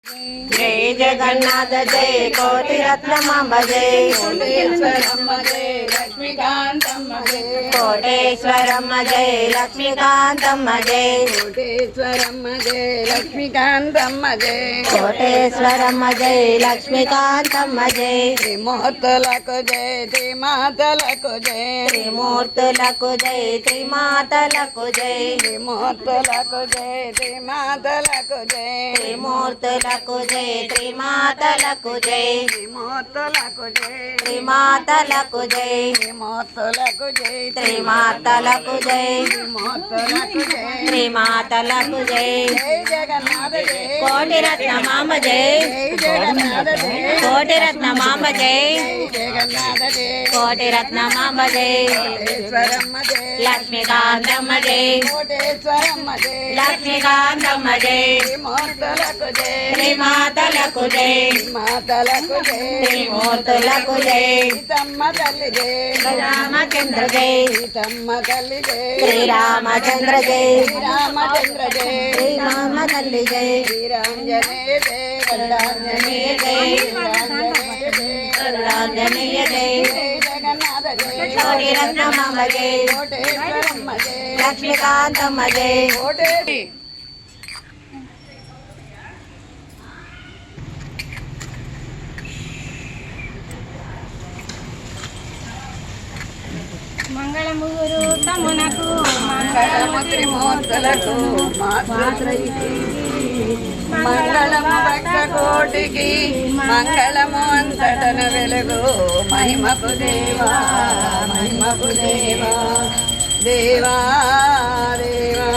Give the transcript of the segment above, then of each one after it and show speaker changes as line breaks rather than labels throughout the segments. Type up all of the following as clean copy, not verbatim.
जय जगन्नाथ जय कोटि रत्नमांब जय कोटेश्वरम्म जय लक्ष्मीकांतम्म जय कोटेश्वरम्म जय लक्ष्मीकांतम्म जय कोटेश्वरम्म जय लक्ष्मीकांतम्म जय कोटेश्वरम्म जय लक्ष्मीकांतम्म जय त्रिमूर्तुలకు जय त्रिमातలకు जय त्रिमूर्तुలకు जय त्रिमातలకు जय त्रिमूर्तुలకు जय त्रिमातలకు जय त्रिमूर्तुలకు जय त्रिमातలకు जय त्रिमूर्तुలకు जय त्रिमातలకు जय त्रिमूर्तुలకు जय त्रिमातలకు जय त्रिमूर्तुలకు जय त्रिमातలకు जय जय जगन्नाथ जय कोटि रत्नमांब जय जय जगन्नाथ जय कोटि रत्नमांब जय जय जगन्नाथ जय कोटि रत्नमांब जय कोटेश्वरम्म जय लक्ष्मीकांतम्म जय कोटेश्वरम्म जय लक्ष्मीकांतम्म जय त्रिमूर्तुలకు जय त्रिमातలకు जय मातలకు जय त्रिमूर्तुలకు जय सीतम्म तल्ली जय रामचंद्र जय सीतम्म तल्ली जय श्रीरामचंद्र जय श्रीरामचंद्र जय श्रीराम तल्ली जय श्रीरांजनेय जय गरुडांजनेय जय श्रीरांजनेय जय गरुडांजनेय जय जगन्नाथ जय कोटि रत्नमांब जय कोटेश्वरम्म जय लक्ष्मीकांतम्म जय कोटे
మంగళము గురు తమ్మునకు
మంగళము త్రిమూర్తులకు మంగళము భక్త కోటికి మంగళము అంతటన వెలుగు మహిమకు దేవా మహిమకు దేవా దేవా దేవా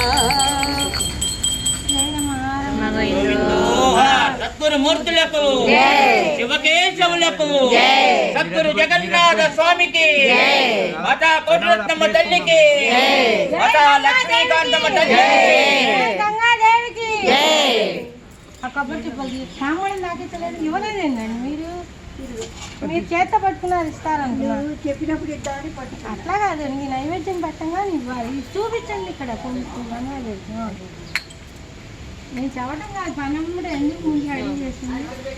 సద్గురు మూర్తులకు శివకేశవులకు సద్గురు జగన్నాథ స్వామికి మాతా కోటిరత్నమ్మ తల్లికి మాతా లక్ష్మీకాంతమ్మ తల్లికి
గంగాదేవికి ఆ కొబ్బరి చిప్పలు సామాన్యం నాకించలేదు ఇవ్వలేదండి మీరు చేత పట్టుకున్నారు ఇస్తారనుకున్నారు చెప్పినప్పుడు ఇద్దామని పట్టు అట్లా కాదు నీ నైవేద్యం పెట్టంగా ఇవ్వాలి చూపించండి ఇక్కడ కొంచెం నేను చెప్పడం కాదు పనం కూడా ఎందుకు ముందు అడిగి చేస్తుంది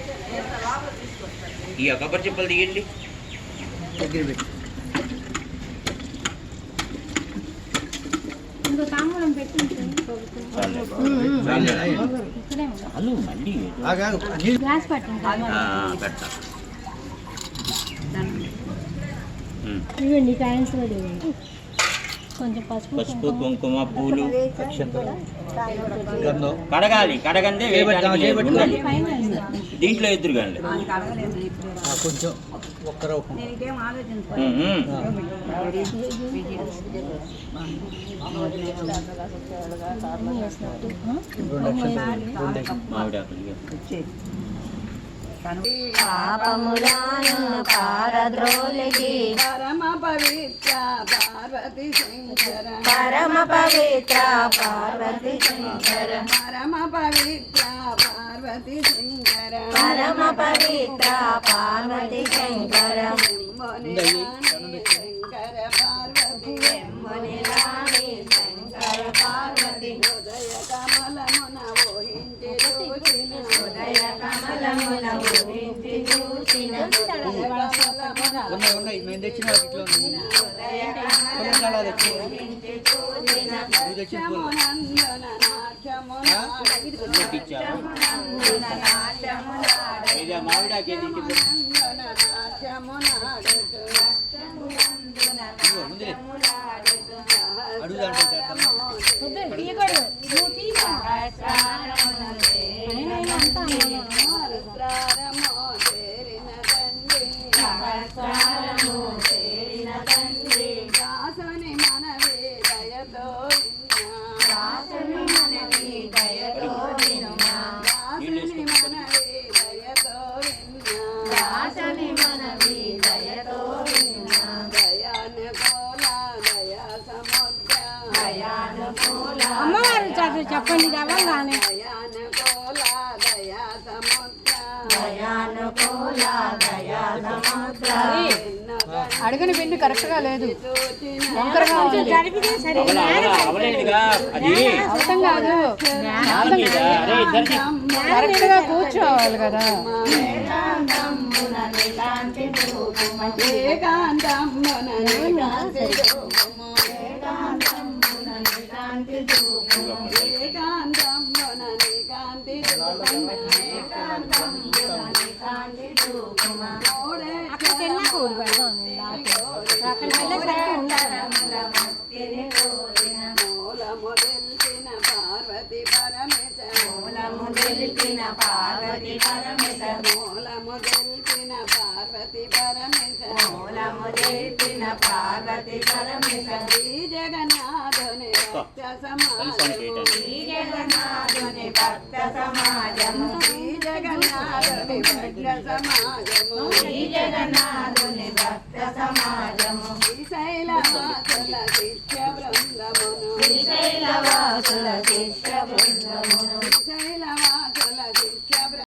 ఈ కొబ్బరి చిప్పలు తీయండి
ఇంకో తాంబూలం పెట్టి గ్లాస్ పట్టండి ఇవ్వండి కాయన్స్ కూడా ఇవ్వండి కొంచెం
పసుపు కుంకుమ పూలు కడగాలి కడగందే దీంట్లో ఎదురుగాండి
కొంచెం ఒక్కరో
పాపములను పారద్రోలికి
పరమ పవిత్ర పార్వతి శంకర
పరమ పవిత్ర పార్వతి శంకర
పరమ పవిత్ర పార్వతి శంకర
పరమ పవిత్ర పార్వతి శంకర
శంకర పార్వతి
మునిరాణి శంకర పార్వతి
ఉదయ కమలమున ఊహించి చూచిన
ఉదయ కమలమున ఊహించి చూసిన
ఉన్నాయి మేము తెచ్చిన వాటిలో
ఉదయ కమలమున ఊహించి చూసిన
నాట్యమునందున నాట్యమునాడు
మామిడాకి
దాసుని మనవి దయతో
దాసుని మనవి దయతో వినుమా
దాసుని మనవి దయతో
దాసుని మనవి దయతో వినుమా
దయానుకూల దయా సముద్ర
దయానుకూల
అమ్మవారు చదువు చెప్పండి కావాలని
దయానుకూల దయా సముద్ర
దయానుకూల దయా సముద్ర
ఎన్నో
అడగని పిండి కరెక్ట్ గా లేదు వంకరగా ఉంది
జరిపితే సరే
అవలేదుగా అది
అర్థం కాదు
నాలుగేదా? అరే ఇద్దరికి
కరెక్ట్ గా కూర్చోవాలి కదా
ఏకాంతమున నికాంతి రూపము ఏకాంతమున నికాంతి రూపము ఏకాంతమున నికాంతి రూపము ఏకాంతమున నికాంతి రూపము ఏకాంతమున నికాంతి రూపము
అక్కడికి వెళ్ళా కూడి పెడదాం అక్కడికి వెళ్ళేసరికి ఉండాలి
మూలము తెలిసిన పార్వతి పరమేశ
మూలము తెలిపిన పార్వతి పరమేశ
మూలము తెలిసిన పార్వతి పరమేశ
మూలము తెలిపిన పార్వతి పరమేశ
శ్రీ జగన్నాథుని భక్త సమాజము
శ్రీ జగన్నాథుని భక్త సమాజము
శ్రీ జగన్నాథుని భక్త సమాజము
శ్రీ జగన్నాథుని భక్త సమాజము
శ్రీశైలవాసుల శిష్య బృందమును
శ్రీశైలవాసుల శిష్య బృందమును
శ్రీశైలవాసుల శిష్య బృందమును